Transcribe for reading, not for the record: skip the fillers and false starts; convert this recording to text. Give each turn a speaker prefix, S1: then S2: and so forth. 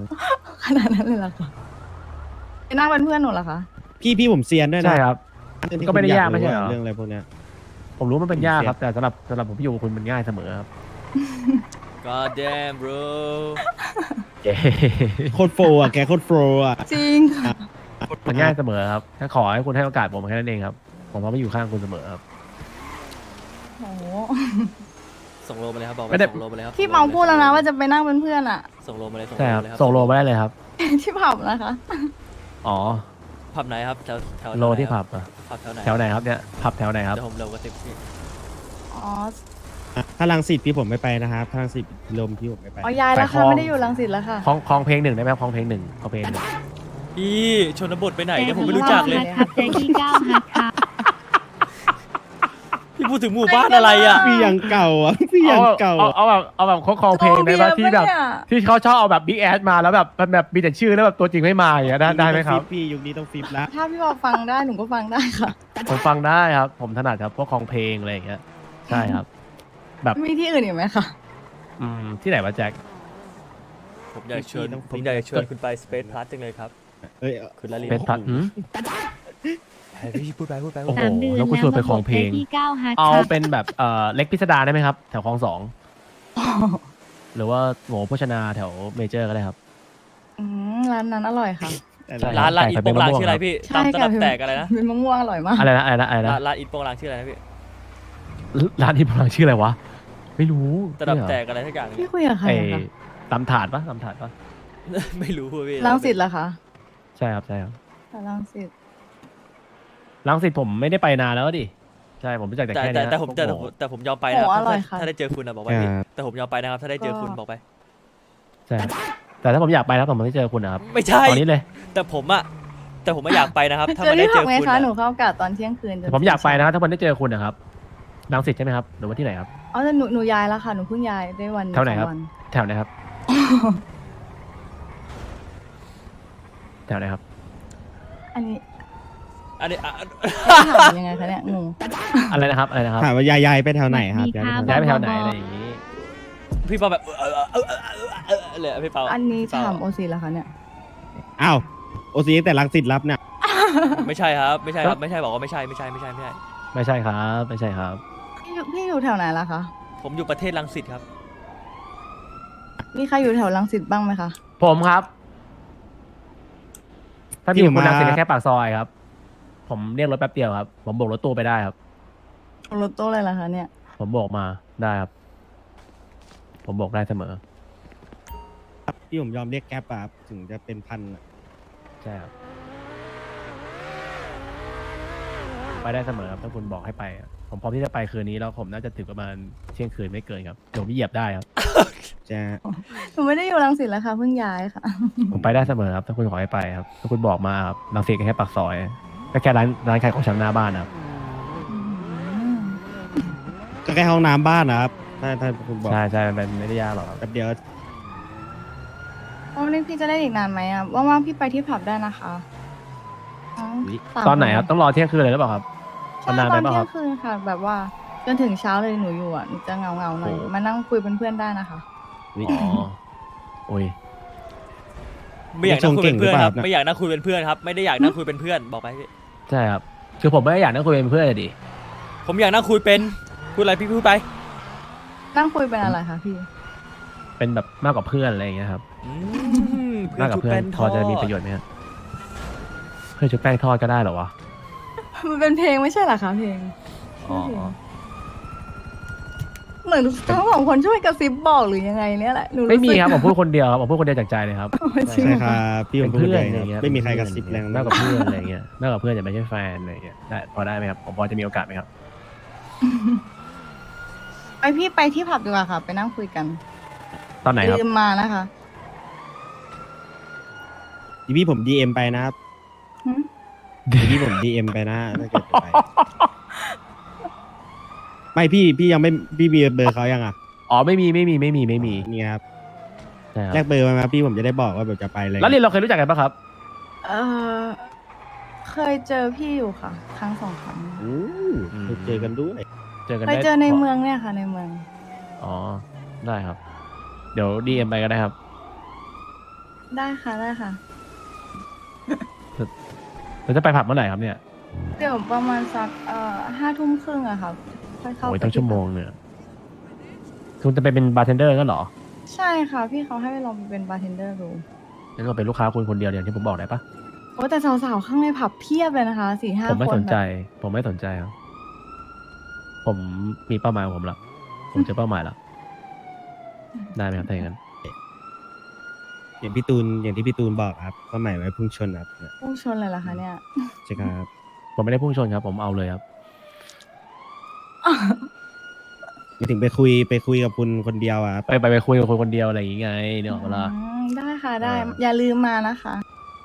S1: ขนาดนั้นเลยเหรอคะไปนั่งเป็นเพื่อนหนูเหรอคะ
S2: พี่ผมเซียนด้วยนะ
S3: ใช่ครับ
S2: เรื่องที่
S3: ก็ไม่ได้
S2: ผ
S3: ยากไม่ใช่เหรอ
S2: เรื่องอะไรพวกเนี้ย
S3: ผมรู้มันเป็นยากครับ แต่สำหรับผมพี่อยู่กับคุณมันง่ายเสมอครับ
S4: God damn bro
S3: เย้
S2: โคตรโฟร์อ่ะแกโคตรโฟร์อ่ะ
S1: จริงค่ะ
S3: มันง่ายเสมอครับถ้าขอให้คุณให้โอกาสผมแค่นั้นเองครับผมพร้อมจะอยู่ข้างคุณเสมอครับ
S1: โห
S4: ส่งโลมาเลยครับบอกไป
S3: ไม่ได้
S4: ส่งโลมาเลยครับ
S1: พี่เมาพูดแล้วนะว่าจะไปนั่งเป็นเพื่อนอะ
S4: ส่งโลมาเลยส่ง
S3: ใช่
S4: โล
S3: ครับ
S4: มาเลยครับ
S3: ส่งโลมาได้เลยครับ
S1: ที่ผับนะคะ
S3: อ๋อ
S4: ผับไหนครับแถว
S3: โลที่ผับอะ
S4: ผับแถวไหน
S3: แถวไหนครับเนี่ยผับแถวไหนครับ
S4: เดี๋ยวผมเร็วกระติบพี่
S1: อ๋อ
S2: ถ้ารังสิตพี่ผมไม่ไปนะครับถ้ารังสิตลมพี่ผมไม่ไป
S1: อ๋อย้ายแล้ว
S3: ไปคล
S1: ค่ะ
S3: อง
S1: ไม่ได้อยู่รังสิตแล้วค่ะ
S3: คลองเพลงหนึ่งได้ไหมครับคลองเพลงหนึ่งคลองเพลงหนึ่ง
S4: พี่ชนบทไปไหนเนี่ยผมไม่รู้จักเลย
S5: ครับเจกี้ก้าวฮัทครับ
S4: พี่พูดถึงหมู่บ้านอะไรอ่ะ
S2: พี่ยังเก่าอ่ะพี่ยังเก่า
S3: เอาแบบคลองเพลงได้ไหมที่แบบ
S1: โจเบียร์ปะเนี่ย
S3: ที่เขาชอบเอาแบบบิ๊กแอดมาแล้วแบบมีแต่ชื่อแล้วแบบตัวจริงไม่มาอย่างเงี้ยได้ไหมครับ
S2: พี่ยุคนี้ต้องฟิปแล้ว
S1: ถ้าพี่บอกฟังได้หนูก็ฟังได้ค่ะ
S3: ผมฟังได้ครับ ผมถนัดครับพวกคลองเพลงอะไรอย่างเงี้ยใช่ครับ แบบ
S1: มีที่อื่นอีกไหมคะ
S3: ที่ไหนวะแจ็ค
S4: ผมอยากเชิญผมอยากจะเชิญคุณไป Space Plus จังเลยครับ
S2: เอ้ย
S4: คุณลาลี
S3: เป็นพัด
S4: พี่พูดไป
S3: โอ้โห
S5: 3 เดือน
S3: แล้วกูชวนไปคลองเพลง
S5: เจกี้ก้าวฮัท
S3: เอา
S5: ครับ
S3: เป็นแบบเล็กพิสดารได้ไหมครับ แถวคลองสองหรือว่าโหโภชนาแถวเมเจอร์ก็ได้ครับ
S1: ร้านนั้นอร่อยค่ะ
S3: ใช่
S4: ร้านอินโปงลาง
S3: ไก่
S4: ชื่ออะไร
S3: เป็นมะม่วง
S4: พี่
S1: ใช่
S4: ตามต
S1: ค่ะ
S4: ลับแตกอะไรนะ
S1: เป็นมะม่วงอร่อยมาก
S3: อะไรนะ
S4: ร้านอินโปงลางชื่ออะไรนะพี่
S3: ร้านที่พลังชื่ออะไรวะไม่รู้
S4: ตลับ
S3: เนี่ยเหรอ
S4: แตกอะไรทักอย่างเนี่
S1: พี่
S4: ย
S1: คุยกับใคร
S3: ไอ้
S1: อะคะ
S3: ตำถาดปะตำถาดปะ
S4: ไม่รู้อะพี่
S1: รังสิตเหรอคะ
S3: ใช่ครับใช่ครับ
S1: รังสิต
S3: รังสิตผมไม่ได้ไปนานแล้วดิใช่ผมรู้จักแต่
S4: แต่
S3: แค่
S4: แต่
S3: เนี้ย
S4: แต่ผม
S3: พวก
S4: แต่
S3: โห
S4: แต่ผมยอมไปนะครับ
S1: โอ้อร่อยค่ะ
S4: ถ้าได้เจอคุณนะบอกไปพี่แต่ผมยอมไปนะครับถ้าได้เจอคุณบอกไป
S3: ใช่ครับแต่ถ้าผมอยากไปนะผมไม่เจอคุณนะครับ
S4: ไม่ใช่
S3: ตอนนี้เลย
S4: แต่ผมไม่อยากไปนะครับ ถ้า
S1: เจอ
S4: มันได้
S1: ที่
S4: เจ
S1: ผับ
S4: อ
S1: ไง
S4: คุณ
S1: คะ
S4: อะ
S1: หนูเข้ากะตอนเที่ยงคืนจน
S3: แต่ผมอยากไปนะถ้าวันได้เจอคุณนะครับรังสิตใช่ไหมครับหรือว่าที่ไหนครับ
S1: อ๋อแต่หนูย้ายแล้วค่ะหนูเพิ่งย้ายได้วัน
S3: แถวไหนครับ
S1: สอง
S3: แถวไหนครับ แถวไหนครับ
S1: อันนี้
S4: อันนี้
S1: ถามยังไงคะเนี่ยงง
S3: อะไรนะครับอะไรนะครับ
S2: ถามว่ายายไปแถวไหนครับ
S3: ย้ายไปแถวไหนอะไรอย่างนี้
S4: พี่เปาแบบเลยพี่เปา
S1: อันนี้
S4: พี่เป
S1: ถามโอซีแล้วคะเนี่ย
S2: อ้าวโอซีแต่รังสิตรับเนี่ย
S4: ไม่ใช่ครับไม่ใช่ครับไม่ใช่บอกว่าไม่ใช่ไม่ใช่ไม่ใช่ไม่ใช่
S3: ไม่ใช่ครับไม่ใช่ครับ
S1: พี่อยู่แถวไหนล่ะคะ
S4: ผมอยู่ประเทศรังสิตครับ
S1: มีใครอยู่แถวรังสิตบ้างไหมคะ
S3: ผมครับ ถ้าพี่อยู่คุณรังสิตแค่ปากซอยครับ ผมเรียกรถแป๊บเดียวครับ ผมโบกรถตู้ไปได้ครับ
S1: รถตู้เลยล่ะคะเนี่ย
S3: ผมโบกมาได้ครับ ผมโบกได้เสมอ
S2: พี่ผมยอมเรียกแก๊ปอะครับถึงจะเป็นพันอะ
S3: ใช่ครับไปได้เสมอครับถ้าคุณบอกให้ไปอะผมพร้อมที่จะไปคืนนี้แล้วผมน่าจะถึงประมาณเที่ยงคืนไม่เกินครับเดี๋ยวผมเหยียบได้ครับ
S2: จะ
S1: หนูไม่ได้อยู่รังสิตแล้วค่ะเพิ่งย้ายค่ะ
S3: ผมไปได้เสมอครับถ้าคุณขอให้ไปครับถ้าคุณบอกมาครับรังสิตแค่ปากซอยก็แค่ร้านขายของชำหน้าบ้านครับ
S2: ก็แค่ห้องน้ำบ้านนะครับถ้าคุณบอก
S3: ใช่ใช่มันไม่ได้ยากหรอกครับ
S2: แป๊บเดียว
S1: วันนี้พี่จะได้อีกนานไหมอ่ะว่างๆพี่ไปที่ผับได้นะคะอ๋อสาม
S3: ตอนไหนครับต้องรอเที่ยงคืนเลยหรือเปล่าครับ
S1: ใช่
S3: นาน
S1: ต
S3: ไป
S1: อน
S3: เปล่า
S1: เที่
S3: ค
S1: ย
S3: รับ
S1: งคืนค่ะ แบบว่าจนถึงเช้าเลยหนูอยู่อ่ะหนูจะเงาหน่อย
S3: โอ้
S1: มานั่งคุยเป็นเพื่อนได้นะคะ
S3: อ๋อโอ้ย
S4: ไม่อยากนั่งคุยเป็นเพื่อนครับไม่อยากนั่งคุยเป็นเพื่อนครับไม่ได้อยากนั่งคุยเป็นเพื่อนบอกไปพี่
S3: ใช่ครับคือผมไม่ได้อยากนั่งคุยเป็นเพื่อนเลยดิ
S4: ผมอยากนั่งคุยเป็นพูดอะไรพี่พูดไป
S1: นั่งคุยเป็นอะไรคะพี่
S3: เป็นแบบมากกว่าเพื่อนอะไรอย่างเงี้ยครับ
S4: เพื่
S3: มา
S4: อก น
S3: กับ
S4: ชุบ
S3: เพื่อ
S4: แป้
S3: น
S4: น
S3: พอจะมีประโยชน์ไหมครับเพื่อนชุบแป้งทอดก็ได้เหรอวะ
S1: มันเป็นเพลงไม่ใช่เหรอคะเพลง
S3: อ๋อ
S1: เหมือนทั้งสองคนช่วยกระซิบบอกหรือยังไงเนี่ยแหละหนู
S3: ไม่มี
S1: สึก
S3: ครับผมพูดคนเดียวครับผมพูดคนเดียวจากใจเลยครับ
S1: จริง
S2: ใช่
S1: เหรอ
S2: ครั
S1: คะ
S2: บพี่ผ
S3: เป็
S2: ม
S3: น
S2: พูด
S3: เพื่อน
S2: เลย
S3: อะไรเงี้ย
S2: ไม่มีใครกระซิบแรง
S3: มากกว่าเพื่อนอะไรเงี้ยมากกว่าเพื่อนแต่ไม่ใช่แฟนอะไรเงี้ยได้พอได้ไหมครับผมพอจะมีโอกาสไหมครับ
S1: ไปพี่ไปที่ผับดีกว่าค่ะ ไปนั่งคุยกัน
S3: ตอนไหนครับ
S1: ลืมมานะคะ
S2: พี่ผมดีเอ็มไปนะครับ
S1: หึ
S2: พี่ผมดีเอ็มไปนะถ้าเกิดจะไปไม่พี่ยังไม่พี่มีเบอร์เขายังอ่ะ
S3: อ๋อไม่มี
S2: นี่ครับ
S3: ใช่ค
S2: แล
S3: รับ
S2: กเบอร์มาไหมพี่ผมจะได้บอกว่าแบบจะไปเลย
S3: แล้วเรียนเราเคยรู้จักกันปะครับ
S1: เออเคยเจอพี่อยู่ค่ะ ครั้งสองครั้ง
S2: อู้เคยเจอกันด้วย
S3: เจอกัน
S1: เคย
S3: ได้
S1: เจอในเมืองเนี่ยค่ะ ในเมือง
S3: อ๋อได้ครับ เดี๋ยวดีเอ็มไปก็ได้ครับ
S1: ได้ค่ะได้ค่ะ
S3: เราจะไปผับเมื่อไหร่ครับเนี่ย
S1: เดี๋ยวประมาณสัก5 ทุ่มครึ่งอะค่ะค่อยเข้า
S3: โอ้ย
S1: ไป
S3: ตั้ง
S1: ที่
S3: ชั่วโมง
S1: ผับ
S3: เนี่ยคุณจะไปเป็นบาร์เทนเดอร์ก็เหรอ
S1: ใช่ค่ะพี่เขาให้ไปลองไปเป็นบาร์เทนเดอร์ดู
S3: งั้นเราเป็นลูกค้าคุณคนเดียวอย่างที่ผมบอกได้ปะ
S1: โอ้แต่สาวๆข้างในผับเพียบเลยนะคะ4-5
S3: ผมไม่
S1: คน
S3: สนใจ
S1: แบบ
S3: ผมไม่สนใจครับ ผมมีเป้าหมายของผมละผมเจอเป้าหมายแล้วได้ไหมครับถ้าอย่างนั้น
S2: อย่างที่พี่ตูนบอกครับเป้าหมายไว้พุ่งชนครับเนี่ย
S1: พุ่งชนเลยเหรอคะเนี่ย
S2: ใช่ครับ
S3: ผมไม่ได้พุ่งชนครับ ผมเอาเลยครับ
S2: ไม่ถึงไปคุยกับคุณคนเดียวอะครับ
S3: ไปคุยกับคนคนเดียวอะไรอย่างงี้ไงเนี่ยหรอกเวลา
S1: ได้ค่ะได้
S3: เออ
S1: อย่าลืมมานะคะ